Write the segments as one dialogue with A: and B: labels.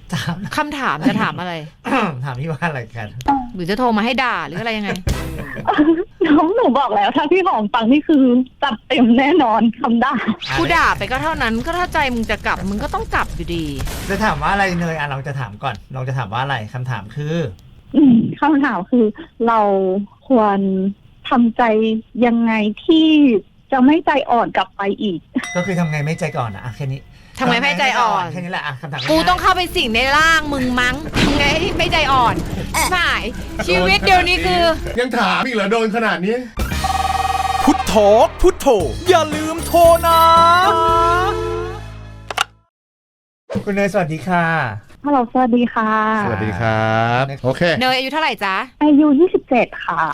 A: ถาม
B: คำถามจะถามอะไร
A: ถามพี่ว่าอะไรกัน
B: หรือจะโทรมาให้ด่าหรืออะไรยังไง
C: น้องหนูบอกแล้วถ้าพี่หอมฟังนี่คือจัดเต็มแน่นอนคำด่า
B: กูด่าไปก็เท่านั้นก็ถ้าใจมึงจะกลับมึงก็ต้องกลับอยู่ดี
A: จะถามว่าอะไรเนยลองจะถามก่อนลองจะถามว่าอะไรคำถามคือ
C: คำถามคือเราควรทำใจยังไงที่จะไม่ใจอ่อนกลับไปอีก
A: ก็คือทำไงไม่ใจก่อนอะแค่นี้
B: ทำไมไม่ใจอ่อน
A: แค่นี้แหละคำถาม
B: กูต้องเข้าไปสิงในร่างมึงมั้งทำไงให้ไม่ใจอ่อนหมายชีวิตเดี๋ยวนี้คือ
D: ยังถามอีกเหรอโดนขนาดนี้
E: พุทโธพุทโธอย่าลืมโทรนะ
A: คุณเนยสวัสดีค่ะ
C: ฮัลโหลสวัสดีค่ะ
D: สวัสดีครับโอเค
B: เนยอายุเท่าไหร่จ๊ะ
C: อายุ27ค่ะ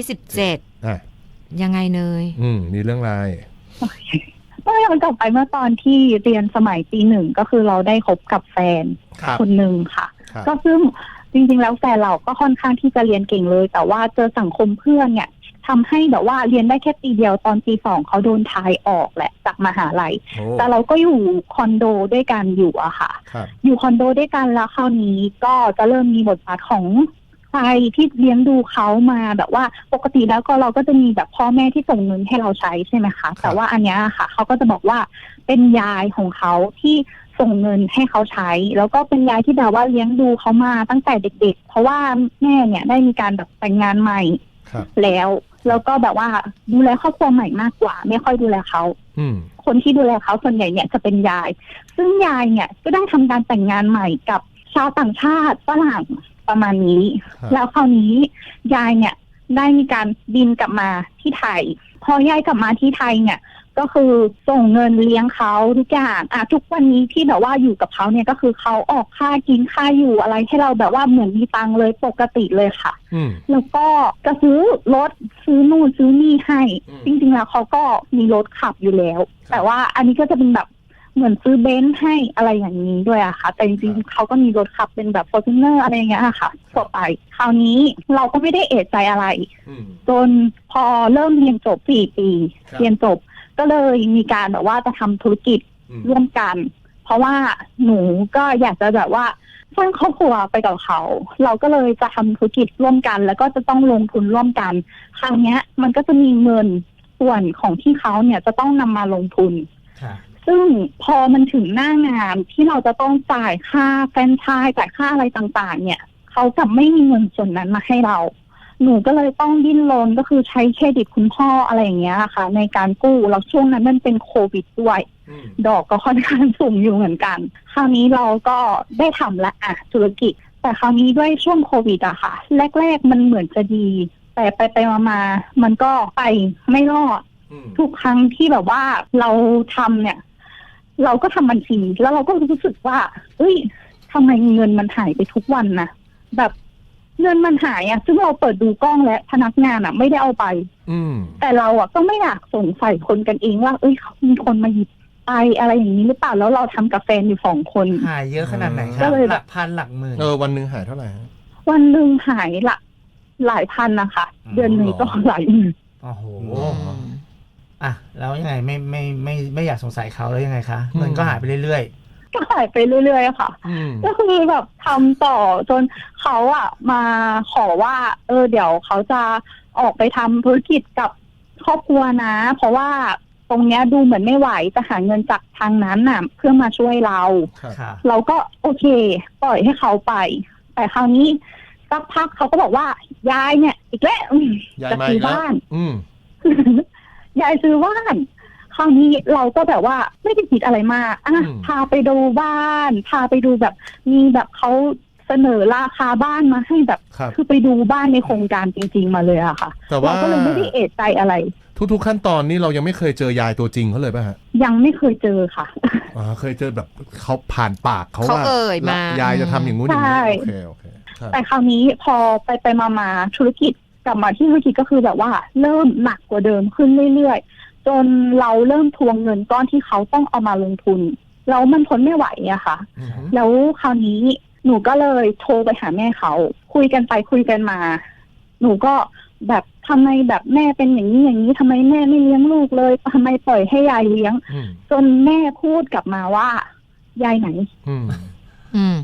B: 27
D: อ่ะ
B: ยังไงเนย
D: มีเรื่องอะไร
C: ก็ย้อนกลับไปเมื่อตอนที่เรียนสมัยปีหนึ่งก็คือเราได้คบกับแฟน
D: ครับ
C: คนหนึ่งค่ะ
D: ครับ
C: ก็ซึ่งจริงๆแล้วแฟนเราก็ค่อนข้างที่จะเรียนเก่งเลย แต่ว่าเจอสังคมเพื่อนเนี่ยทำให้แบบว่าเรียนได้แค่ปีเดียวตอนปี2เขาโดนทายออกแหละจากมหาลัย
D: โอ้
C: แต่เราก็อยู่คอนโดด้วยกันอยู่อะค่ะ
D: ครับ
C: อยู่คอนโดด้วยกันแล้วคราวนี้ก็จะเริ่มมีบทบาทของใครที่เลี้ยงดูเขามาแบบว่าปกติแล้วก็เราก็จะมีแบบพ่อแม่ที่ส่งเงินให้เราใช้ใช่ไหมคะแต่ว่าอันเนี้ยค่ะเขาก็จะบอกว่าเป็นยายของเขาที่ส่งเงินให้เขาใช้ แล้วก็เป็นยายที่แบบว่าเลี้ยงดูเขามาตั้งแต่เด็กๆเพราะว่าแม่เนี่ยได้มีการแบบแต่งงานใหม่
D: ครับ
C: แล้วก็แบบว่าดูแลครอบครัวใหม่มากกว่าไม่ค่อยดูแลเขา
D: อืม
C: คนที่ดูแลเขาส่วนใหญ่เนี่ยจะเป็นยาย ซึ่งยายเนี่ยก็ได้ทำการแต่งงานใหม่กับชาวต่างชาติฝรั่งประมาณนี้
D: ครับ
C: แล้วคราวนี้ยายเนี่ยได้มีการบินกลับมาที่ไทย พอยายกลับมาที่ไทยเนี่ยก็คือส่งเงินเลี้ยงเขาทุกอย่างทุกวันนี้ที่แบบว่าอยู่กับเขาเนี่ยก็คือเขาออกค่ากินค่าอยู่อะไรให้เราแบบว่าเหมือนมีตังค์เลยปกติเลยค่ะ
D: อืม
C: แล้วก็จะซื้อรถซื้อนู่นซื้อนี่ให้
D: อืม
C: จริงๆแล้วเขาก็มีรถขับอยู่แล้ว
D: ครับ
C: แต่ว่าอันนี้ก็จะเป็นแบบเหมือนซื้อเบนซ์ให้อะไรอย่างนี้ด้วยอะค่ะ แต่จริงๆเขาก็มีรถขับเป็นแบบ Fortuner อะไรอย่างเงี้ยค่ะทั่วไปคราวนี้เราก็ไม่ได้เอะใจอะไร
D: อืม
C: จนพอเริ่มเรียนจบ4 ปี
D: ครับ
C: เรียนจบก็เลยมีการแบบว่าจะทำธุรกิจ
D: อืม
C: ร่วมกัน เพราะว่าหนูก็อยากจะแบบว่าสร้างครอบครัวไปกับเขา เราก็เลยจะทำธุรกิจร่วมกัน แล้วก็จะต้องลงทุนร่วมกัน คราวเนี้ยมันก็จะมีเงินส่วนของที่เขาเนี่ยจะต้องนำมาลงทุน
A: ค่ะ
C: ซึ่งพอมันถึงหน้างานที่เราจะต้องจ่ายค่าแฟรนไชส์จ่ายค่าอะไรต่างๆ เนี่ยเขากลับไม่มีเงินส่วนนั้นมาให้เรา หนูก็เลยต้องดิ้นรนก็คือใช้เครดิตคุณพ่ออะไรอย่างเงี้ยค่ะ ในการกู้แล้วช่วงนั้นมันเป็นโควิดด้วย
D: อืม
C: ดอกก็ค่อนข้างสูงอยู่เหมือนกัน คราวนี้เราก็ได้ทำละธุรกิจ แต่คราวนี้ด้วยช่วงโควิดอะค่ะ แรกๆมันเหมือนจะดี แต่ไปมาๆมันก็ไปไม่รอด
D: อืม
C: ทุกครั้งที่แบบว่าเราทำเนี่ย เราก็ทำบัญชีแล้วเราก็รู้สึกว่าเอ้ยทำไมเงินมันหายไปทุกวันนะแบบเงินมันหายอะซึ่งเราเปิดดูกล้องและพนักงานอะไม่ได้เอาไป
D: อืม
C: แต่เราอะก็ไม่อยากสงสัยคนกันเองว่าเอ้ยมีคนมาหยิบไปอะไรอย่างนี้หรือเปล่าแล้วเราทำกับแฟนอยู่2 คน
A: หายเยอะขนาดไหนค
C: ก็
A: รับ
C: เลย
A: หลักพันหลักหมื่น
D: วันหนึ่งหายเท่าไหร่ฮะ
C: วันหนึ่งหายหลายพันนะคะ
A: อ๋อ
C: เดือนหนึ่งก็หลายหมื่น
A: โอ้โห
D: อืม
A: อ่ะแล้วยังไงไม่อยากสงสัยเขาแล้วยังไงคะเงินก็หายไปเรื่อย
C: ก็หายไปเรื่อยๆค่ะ
D: อืม
C: ก็คือแบบทำต่อจนเขาอะมาขอว่า เดี๋ยวเขาจะออกไปทำธุรกิจกับครอบครัวนะ เพราะว่าตรงเนี้ยดูเหมือนไม่ไหวจะหาเงินจากทางนั้นน่ะ เพื่อมาช่วยเรา
D: ครับ
A: ๆค่ะ
C: เราก็โอเค ปล่อยให้เขาไป แต่คราวนี้สักพักเขาก็บอกว่ายายเนี่ย อีกแล้ว
D: ยาย
C: จะ
D: มา
C: ซื้
D: อี
C: อก
D: แล้ว
C: บ้าน
D: อืม
C: ยายซื้อบ้าน คราวนี้เราก็แบบว่าไม่ได้คิดอะไรมากพาไปดูบ้าน พาไปดูแบบมีแบบเขาเสนอราคาบ้านมาให้แบบ
D: ครับ
C: คือไปดูบ้านในโครงการจริงๆมาเลยอะค่ะ
D: แต่ว่า
C: เราก็เลยไม่ได้เอะใจอะไร
D: ทุกๆขั้นตอนนี่เรายังไม่เคยเจอยายตัวจริงเขาเลยป่ะฮะ
C: ยังไม่เคยเจอค่ะ
D: เคยเจอแบบเขาผ่านปากเขา
B: เขา
D: ว่า
B: เอ่ยมา
D: ยายจะทำอย่างงู้นอย่าง
C: ใช่
D: นี้โอเคครับ
C: แต่คราวนี้พอไปมาธุรกิจกลับมาที่ธุรกิจก็คือแบบว่าเริ่มหนักกว่าเดิมขึ้นเรื่อยๆจนเราเริ่มทวงเงินก้อนที่เขาต้องเอามาลงทุนแล้วมันทนไม่ไหวอะค่ะ
D: อือฮึ
C: แล้วคราวนี้หนูก็เลยโทรไปหาแม่เขาคุยกันไปคุยกันมา หนูก็แบบทำไมแบบแม่เป็นอย่างนี้อย่างนี้ทำไมแม่ไม่เลี้ยงลูกเลยทำไมปล่อยให้ยายเลี้ยง
D: อืม
C: จนแม่พูดกลับมาว่า ยายไหน
D: อืม
B: อืม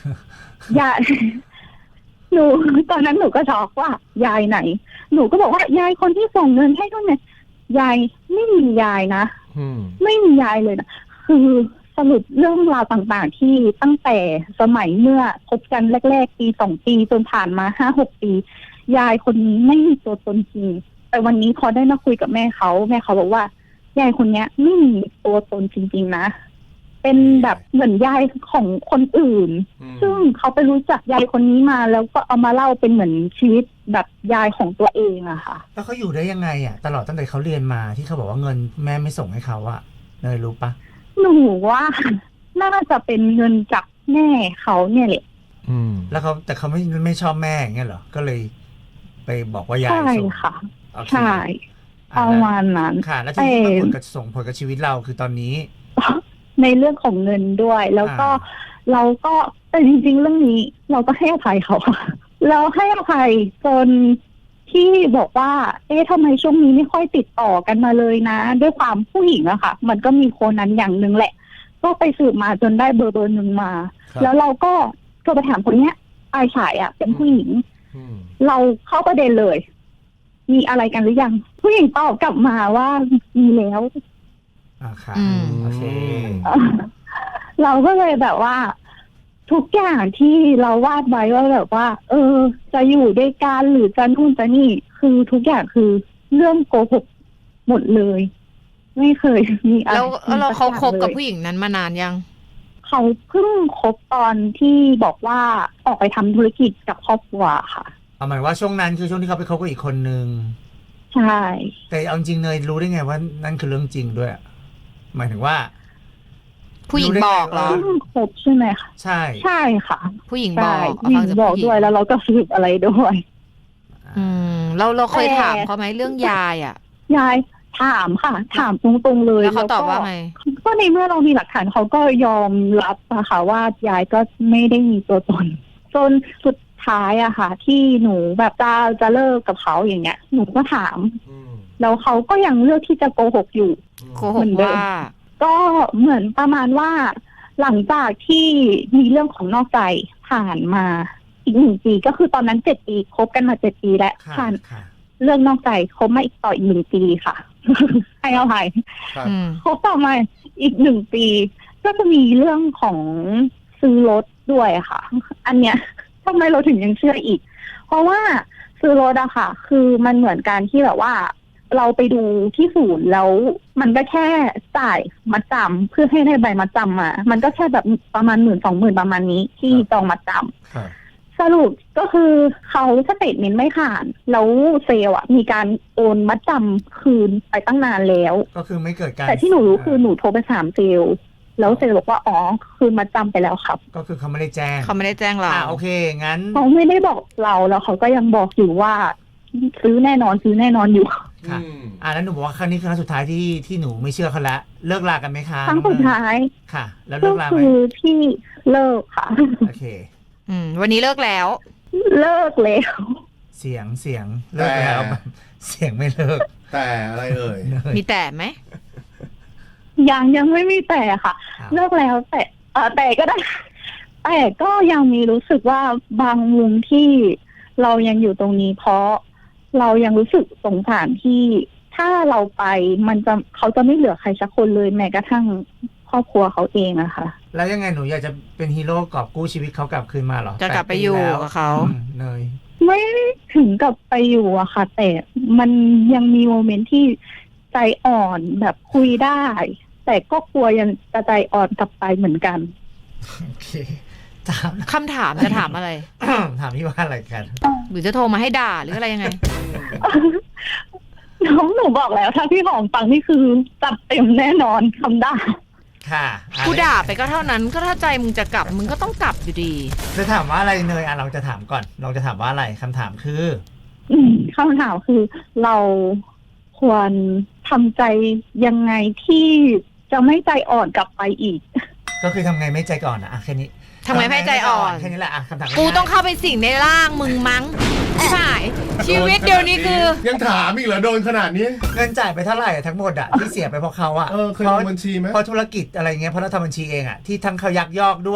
C: ยาย หนูตอนนั้นหนูก็ช็อกว่ายายไหน หนูก็บอกว่ายายคนที่ส่งเงินให้ทุกเนี่ยยายไม่มียายนะ
D: อืม
C: ไม่มียายเลยนะคือสรุปเรื่องราวต่างๆที่ตั้งแต่สมัยเมื่อคบกันแรกๆปี2 ปีจนผ่านมา5-6 ปี ยายคนนี้ไม่มีตัวตนจริงแต่วันนี้พอได้มาคุยกับแม่เขาบอกว่ายายคนเนี้ยไม่มีตัวตนจริงๆนะเป็นแบบเหมือนยายของคนอื่น ซึ่งเขาไปรู้จักยายคนนี้มาแล้วก็เอามาเล่าเป็นเหมือนชีวิตแบบยายของตัวเองอะค่ะ
A: แล้วเขาอยู่ได้ยังไงอ่ะตลอดตั้งแต่เขาเรียนมาที่เขาบอกว่าเงินแม่ไม่ส่งให้เขาอะเนยรู้ปะ
C: หนูว่าน่าจะเป็นเงินจากแม่เขาเนี่ยแหละ
D: อืม
A: แล้วเขาแต่เขาไม่ชอบแม่อย่างเงี้ยเหรอก็เลยไปบอกว่ายาย
C: ใช่
A: ส่ง
C: ค่ะ
A: โอเค
C: ใช่
A: อ่ะ
C: ประมาณนั้น
A: ค่ะ แล้วที่มันส่งผลกับชีวิตเราคือตอนนี้
C: ในเรื่องของเงินด้วย แล้วก็เราก็แต่จริงๆเรื่องนี้เราก็ให้อภัยเขาค่ะเราให้อภัยจนที่บอกว่าทำไมช่วงนี้ไม่ค่อยติดต่อกันมาเลยนะ ด้วยความผู้หญิงอะค่ะ มันก็มีคนนั้นอย่างหนึ่งแหละ ก็ไปสืบมาจนได้เบอร์หนึ่งมา
D: ครับ
C: แล้วเราก็โทรไปถามคนเนี้ยปลายสายอะเป็นผู้หญิง
D: อืม
C: เราเข้าประเด็นเลย มีอะไรกันหรือยัง ผู้หญิงตอบกลับมาว่ามีแล้ว
A: ค่ะ
B: อืม
A: โอเค
C: เราก็เลยแบบว่า ทุกอย่างที่เราวาดไว้ว่าแบบว่า จะอยู่ด้วยกันหรือจะนู่นจะนี่ คือทุกอย่างคือเรื่องโกหกหมดเลย ไม่เคยมีอะไร
B: แล้วเราเขาคบกับ
C: ลย
B: ผู้หญิงนั้นมานานยัง
C: เขาเพิ่งคบตอนที่บอกว่าออกไปทำธุรกิจกับครอบครัวค่ะ
A: เอาหมายว่าช่วงนั้นคือช่วงที่เขาไปคบกับอีกคนนึง
C: ใช่
A: แต่เอาจริงเนยรู้ได้ไงว่านั่นคือเรื่องจริงด้วยอะหมายถึงว่า
B: ผู้หญิงบอกเหรอ
C: เพิ่งคบใช่ไหมคะ
A: ใช่
C: ใช่ค่ะ
B: ผู้หญิงบ
C: ใช่
B: อก
C: หญิ
B: ฟั
C: ง
B: งจาก
C: บอก
B: ผู้หญิง
C: ด้วยแล้วเราก็สืบอะไรด้วย
B: เราเคย
C: แต่
B: ถามเขาไหมเรื่องยายอ่ะ
C: ยายถามค่ะ ถามตรงๆเลย
B: แล้วเขาตอบว่าไง
C: ก็ในเมื่อเรามีหลักฐานเขาก็ยอมรับนะคะว่ายายก็ไม่ได้มีตัวตน จนสุดท้ายอะค่ะ ที่หนูแบบจะเลิกกับเขาอย่างเงี้ย หนูก็ถาม
D: อืม
C: แล้วเขาก็ยังเลือกที่จะโกหกอยู่
B: โกหกว่า
C: ก็เหมือนประมาณว่า หลังจากที่มีเรื่องของนอกใจผ่านมาอีก1 ปีก็คือตอนนั้น7 ปีคบกันมา7 ปีแล้ว
A: ค่ะ
C: ผ่าน
A: ค่ะ
C: เรื่องนอกใจคบมาอีกต่ออีก1 ปีค่ะ ให้อภัย
D: ครับ
C: คบต่อมาอีก1 ปี ก็จะมีเรื่องของซื้อรถด้วยค่ะ อันเนี้ยทำไมเราถึงยังเชื่ออีก เพราะว่าซื้อรถอะค่ะ คือมันเหมือนการที่แบบว่า เราไปดูที่ศูนย์แล้วมันก็แค่จ่ายมัดจำเพื่อให้ได้ใบมัดจำมา มันก็แค่แบบประมาณ10,000-20,000ประมาณนี้ที่จองมัดจำ
D: ครับ
C: สรุปก็คือเขาสเตทเมนต์ไม่ผ่านแล้วเซลล์อะมีการโอนมัดจำคืนไปตั้งนานแล้ว
A: ก็คือไม่เกิดการ
C: แต่ที่หนูรู้คือหนูโทรไปถามเซลล์แล้วเซลล์บอกว่าอ๋อคืนมัดจำไปแล้วครับ
A: ก็คือเขาไม่ได้แจ้ง
B: เขาไม่ได้แจ้งเรา
A: โอเคงั้น
C: เขาไม่ได้บอกเราแล้วเขาก็ยังบอกอยู่ว่า ซื้อแน่นอนอยู่
A: ค่ะ
D: อืม
A: แล้วหนูบอกว่าครั้งนี้คือครั้งสุดท้ายที่หนูไม่เชื่อเขาละเลิกลากันไหมคะ
C: ครั้งสุดท้าย
A: ค่ะ แล้ว
C: ก็
A: เลิกลาไหม
C: คือที่เลิกค่ะ
A: โอเค
B: วันนี้เลิกแล้ว
C: เลิกแล้ว
A: เสียงเลิกแล้วแบบเสียงไม่เลิก
D: แต่อะไรเอ่ย
A: เนย
B: มีแต่ไหม
C: ยังไม่มีแต่ค่ะ
A: ครับ
C: เลิกแล้วแต่ก็ได้ แต่ก็ยังมีรู้สึกว่าบางมุมที่เรายังอยู่ตรงนี้ เพราะเรายังรู้สึกสงสารที่ถ้าเราไปเขาจะไม่เหลือใครสักคนเลยแม้กระทั่งครอบครัวเขาเองอะค่ะ
A: แล้วยังไงหนูอยากจะเป็นฮีโร่กอบกู้ชีวิตเขากลับคืนมาเหรอ
B: จะกลับไปอยู่
A: 8 ปีแล้ว
B: กับเขา
A: เนย
C: ไม่ถึงกับไปอยู่อะค่ะ แต่มันยังมีโมเมนต์ที่ใจอ่อนแบบคุยได้ แต่ก็กลัวยังจะใจอ่อนกลับไปเหมือนกัน
A: โอเคถาม
B: คำถามจะถามอะไร
A: ถามพี่ว่าอะไรกัน
B: หรือจะโทรมาให้ด่าหรืออะไรยังไง
C: น้องหนูบอกแล้วถ้าพี่หอมฟังนี่คือจัดเต็มแน่นอนคำด่า
A: ค่ะ
B: กูด่าไปก็เท่านั้น ก็ถ้าใจมึงจะกลับมึงก็ต้องกลับอยู่ดี
A: จะถามว่าอะไรเนยเราจะถามก่อนเราจะถามว่าอะไรคำถามคือ
C: คำถามคือเราควรทำใจยังไงที่จะไม่ใจอ่อนกลับไปอีก
A: ก็คือทำไงไม่ใจก่อนแค่นี้
B: ทำไงไม่ใจอ่อน
A: แค่นี้แหละคำถาม
B: กูต้องเข้าไปสิ่งในร่างมึงมั้งใช่ชีวิตเดี๋ยวนี้คือ
D: ยังถามอีกเหรอโดนขนาดนี้
A: เงินจ่ายไปเท่าไหร่ทั้งหมดที่เสียไปเพราะเขา
D: เคยลงบัญชีไหม
A: เพราะธุรกิจอะไรเงี้ยเพราะเราทำบัญชีเองที่ทั้งเขายักยอกด้วย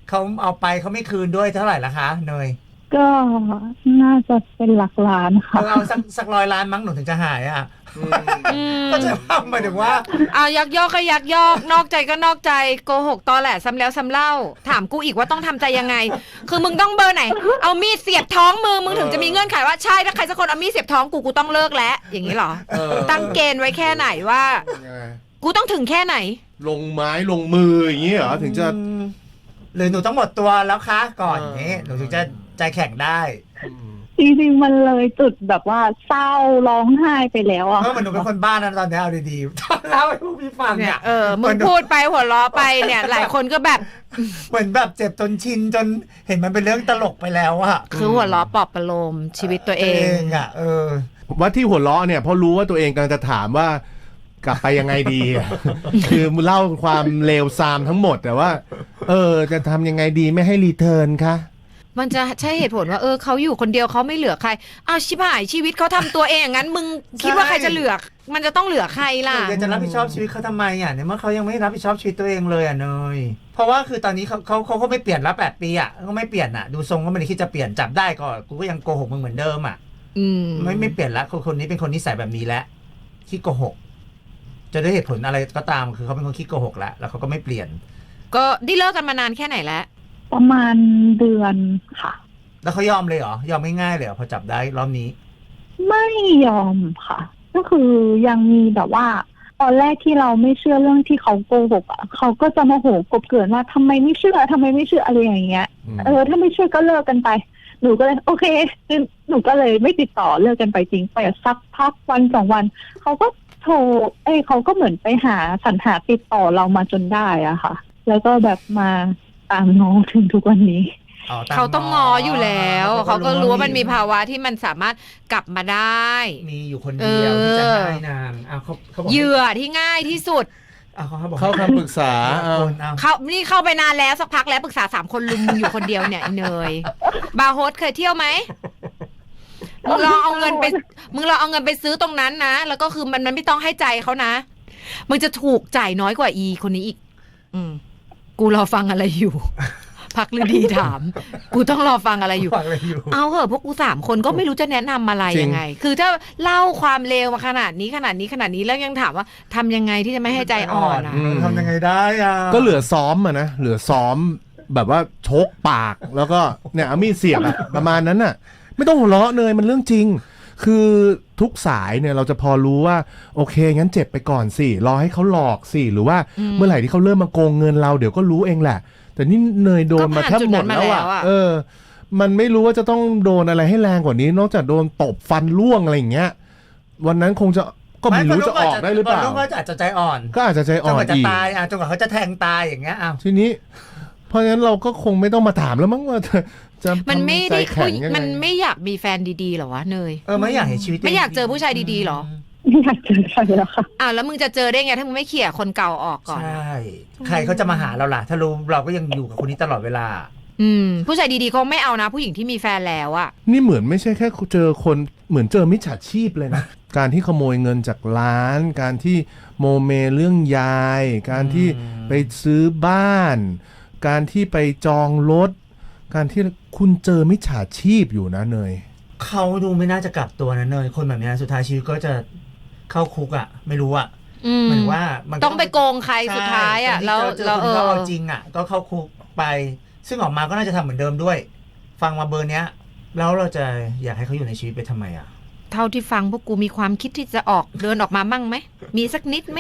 A: เขาเอาไปเขาไม่คืนด้วยเท่าไหร่ละคะเนย
C: ก็น่าจะเป็นหลักล้านค่ะ
A: เอาสัก100 ล้านมั้งหนูถึงจะหายอ่ะ
B: อืม
A: ก็จะว่าหมายถึงว่า
B: เอายักยอกก็ยักยอกนอกใจก็นอกใจโกหกตอแหลซ้ำแล้วซ้ำเล่าถามกูอีกว่าต้องทำใจยังไง คือมึงต้องเบอร์ไหนเอามีดเสียบท้องมึงถึงจะมีเงื่อนไขว่าใช่ถ้าใครสักคนเอามีดเสียบท้องกูต้องเลิกแล้วอย่างนี้เหรอ ตั้งเกณฑ์ไว้แค่ไหนว่า กูต้องถึงแค่ไหน
D: ลงไม้ลงมืออย่างนี้เหรอถึงจะ
A: หรือหนูต้องหมดตัวแล้วคะก่อนอย่างนี้หนูถึงจะใจแข็งได้
C: จริงๆมันเลยจุดแบบว่าเศร้าร้องไห้ไปแล้วอะ
A: เพราะมันหนูเป็นคนบ้านนะตอนนี้เอาดีๆตอนเล่าให้ผู้พี่ฟัง
B: เนี่
A: เนี่ย ย
B: มึงพูดไปหัวเราะไปเนี่ย หลายคนก็แบบ
A: เหมือนแบบเจ็บจนชินจนเห็นมันเป็นเรื่องตลกไปแล้วอะ
B: คือหัวเราะปลอบประโลมชีวิตตัวเอง
A: อะ
D: ว่าที่หัวเราะเนี่ยเพราะรู้ว่าตัวเองกำลังจะถามว่ากลับไปยังไงดีอะ คือเล่าความเลวทรามทั้งหมดแต่ว่า จะทำยังไงดีไม่ให้รีเทิร์นคะ
B: มันจะใช่เหตุผลว่าเขาอยู่คนเดียวเขาไม่เหลือใครเอาชิบหายชีวิตเขาทำตัวเองอย่างนั้นมึงคิดว่าใครจะเหลือมันจะต้องเหลือใครล่ะ
A: หนูจะรับผิดชอบชีวิตเขาทำไมอะเนี่ยเมื่อเขายังไม่รับผิดชอบชีวิตตัวเองเลยอะเนยเพราะว่าคือตอนนี้เขาก็ไม่เปลี่ยนละ8 ปีอะก็ไม่เปลี่ยนอะดูทรงก็ไม่ได้คิดจะเปลี่ยนจับได้ก็กูก็ยังโกหกมึงเหมือนเดิมอะ ไม่เปลี่ยนละคนนี้เป็นคนนิสัยแบบนี้แล้วขี้โกหกจะด้วยเหตุผลอะไรก็ตามคือเขาเป็นคนขี้โกหกแล้วเขาก็ไม่เปลี่ยน
B: ก็ได้เลิกกันมานานแค่ไหนแล้ว
C: ประมาณเดือนค่ะ
A: แล้วเขายอมเลยเหรอยอมง่ายๆเลยเหรอพอจับได้รอบนี้
C: ไม่ยอมค่ะ ก็คือยังมีแบบว่า ตอนแรกที่เราไม่เชื่อเรื่องที่เขาโกหกอ่ะเขาก็จะโมโหกบเกินว่าทำไมไม่เชื่ออะไรอย่างเงี้ยถ้าไม่เชื่อก็เลิกกันไปหนูก็เลยโอเคหนูก็เลยไม่ติดต่อเลิกกันไปจริงไปสักพักวัน2 วันเขาก็โทรเขาก็เหมือนไปหาสรรหาติดต่อเรามาจนได้อะค่ะ แล้วก็แบบมาตามน้องถึงทุกวันนี้
B: เขาต้องงออยู่แล้วเขาก็รู้ว่ามันมีภาวะที่มันสามารถกลับมาได้
A: มีอยู่คนเดียวที่จะให้นางเขาบอก
B: เหยื่อที่ง่ายที่สุด
A: เขาบอก
D: เข้าคำปรึกษา
B: นี่เข้าไปนานแล้วสักพักแล้วปรึกษา3 คนลุมมึงอยู่คนเดียวเนี่ยไอ้เนยบาร์โฮสเคยเที่ยวไหมมึงลองเอาเงินไปซื้อตรงนั้นนะแล้วก็คือมันไม่ต้องให้ใจเขานะมึงจะถูกจ่ายน้อยกว่าอีคนนี้อีกกูรอฟังอะไรอยู่ พักฤดีถามกูต้องรอฟังอะไรอยู่เอาเหอะพวกกู3 คนก็ไม่รู้จะแนะนำอะไรยังไง คือถ้าเล่าความเลวมาขนาดนี้แล้วยังถามว่าทำยังไงที่จะไม่ให้ใจอ่อนอ่ะ
A: ทำยังไงได้อ่ะ
D: ก็เหลือซ้อมอะนะเหลือซ้อมแบบว่าชกปากแล้วก็เนี่ยเอามีดเสียบอะประมาณนั้นน่ะไม่ต้องหัวเราะเนยมันเรื่องจริง คือทุกสายเนี่ยเราจะพอรู้ว่าโอเคงั้นเจ็บไปก่อนสิรอให้เขาหลอกสิหรือว่าเมื่อไหร่ที่เขาเริ่มมาโกงเงินเราเดี๋ยวก็รู้เองแหละแต่นี่เนยโดนมาแทบหมดแล้วอ่ะมันไม่รู้ว่าจะต้องโดนอะไรให้แรงกว่านี้นอกจากโดนตบฟันล่วงอะไรอย่างเงี้ยวันนั้นคงจะก็ไม่รู้จะออกได้หรือเปล่า
A: ก็อาจจะใจอ่อน
D: ก็อาจจะใจอ่อน
A: จนกว่าจะตายจนกว่าเขาจะแทงตายอย่างเงี้ย
D: ทีนี้เพราะฉะนั้นเราก็คงไม่ต้องมาถามแล้วมั้งว่าจะ
B: มันไม่ได้
D: มัน
B: ไม่อยากมีแฟนดีๆหรอวะเนย
A: ไม่อยากเห็นชีวิต
B: ไม่อยากเจอผู้ชายดีๆหรอ
C: ไม่อยากเจอใครแล้วค่ะ
B: แล้วมึงจะเจอได้ไงถ้ามึงไม่เขี่ยคนเก่าออกก่อน
A: ใช่ใครเขาจะมาหาเราล่ะถ้ารู้เราก็ยังอยู่กับคนนี้ตลอดเวลา
B: ผู้ชายดีๆเขาไม่เอานะผู้หญิงที่มีแฟนแล้วอะ
D: นี่เหมือนไม่ใช่แค่เจอคนเหมือนเจอมิจฉาชีพเลยนะ การที่ขโมยเงินจากร้านการที่โมเมเรื่องยายการที่ไปซื้อบ้านการที่ไปจองรถการที่คุณเจอมิจฉาชีพอยู่นะเนย
A: เขาดูไม่น่าจะกลับตัวนะเนยคนแบบนี้สุดท้ายชีวิตก็จะเข้าคุกอ่ะไม่รู้อ่ะหมายว่ามัน
B: ต้องไปโกงใครสุดท้ายอ่ะแล้ว
A: เอาจริงอ่ะก็เข้าคุกไปซึ่งออกมาก็น่าจะทำเหมือนเดิมด้วยฟังมาเบอร์เนี้ยแล้วเราจะอยากให้เขาอยู่ในชีวิตไปทำไมอ่ะ
B: เท่าที่ฟังพวกกูมีความคิดที่จะเดินออกมามั่งไหมมีสักนิดไหม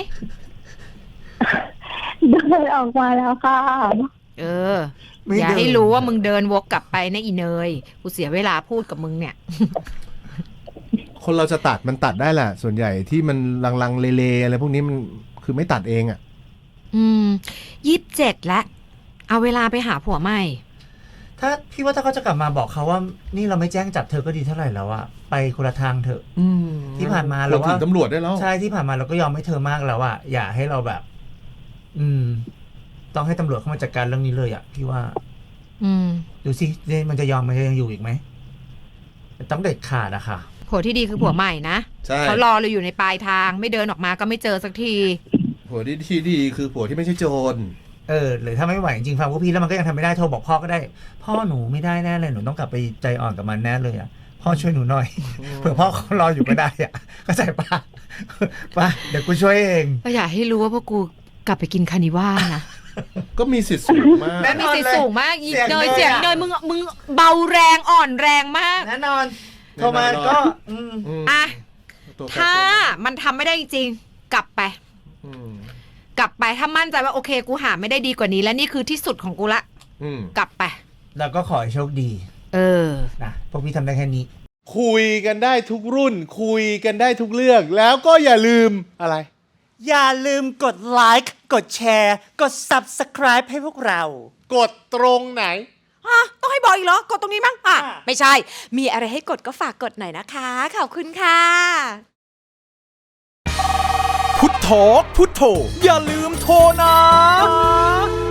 C: เดินออกมาแล้วค่ะ
B: อย่าให้รู้ว่ามึงเดินวกกลับไปนะอีเนยกูเสียเวลาพูดกับมึงเนี่ย
D: คนเราจะตัดมันตัดได้แหละส่วนใหญ่ที่มันลังเลอะไรพวกนี้มันคือไม่ตัดเองอ่ะ
B: 27แล้วเอาเวลาไปหาผัวใหม่
A: ถ้าพี่ว่าถ้าเขาจะกลับมาบอกเขาว่านี่เราไม่แจ้งจับเธอก็ดีเท่าไหร่แล้วอะไปคนละทางเถอะที่ผ่านมาเราว่า
D: ตำรวจได้แล้ว
A: ใช่ที่ผ่านมาเราก็ยอมให้เธอมากแล้วอะอย่าให้เราแบบต้องให้ตำรวจเข้ามาจัดการเรื่องนี้เลยอะพี่ว่าดูสิมันจะยังอยู่อีกไหมต้องเด็ดขาดอะค่ะ
B: ผัวที่ดีคือผัวใหม่นะเขารอเราอยู่ในปลายทางไม่เดินออกมาก็ไม่เจอสักที
D: ผัวที่ดีคือผัวที่ไม่ใช่โจร
A: หรือถ้าไม่ไหวจริงๆฟังพวกพี่แล้วมันก็ยังทำไม่ได้โทรบอกพ่อก็ได้ พ่อหนูไม่ได้แน่เลยหนูต้องกลับไปใจอ่อนกับมันแน่เลยอ่ะพ่อช่วยหนูหน่อยเผื่อพ่อเขารออยู่ก็ได้อ่ะเข้าใจปะป่ะเดี๋ยวกูช่วยเอง
B: ก็อยากให้รู้ว่าพวกกูกลับไปกินคานิว่านะ
D: ก็มีสิทธิ์สูงมาก
A: แน่น
B: มี
A: อน
B: สิท
A: เล
B: ธิ์
A: ย
B: สูงมากอี
A: เสียง
B: เนย
A: เนย
B: เสียง
A: อะ
B: เนยมึงเบาแรงอ่อนแรงมาก
A: แน่นอนโทรมาก็
B: อ่ะ
D: ตัวใคร
B: ถ้า
D: ตัวมัน
B: มันทำไม่ได้จริงๆกลับไป
D: อืม
B: กลับไปถ้ามั่นใจว่าโอเคกูหาไม่ได้ดีกว่านี้ และนี่คือที่สุดของกูละ
D: อืม
B: กลับไป
A: แล้วก็ขอให้โชคดี นะพวกพี่ทำได้แค่นี้
D: คุยกันได้ทุกรุ่น คุยกันได้ทุกเรื่อง แล้วก็อย่าลืมอะไร
E: อย่าลืมกดไลค์กดแชร์กด Subscribe ให้พวกเรา
D: กดตรงไหน
F: ต้องให้บอกอีกเหรอ กดตรงนี้มั้งไม่ใช่ มีอะไรให้กดก็ฝากกดหน่อยนะคะ ขอบคุณค่ะ
E: พุทโธพุทโธอย่าลืมโทรนะ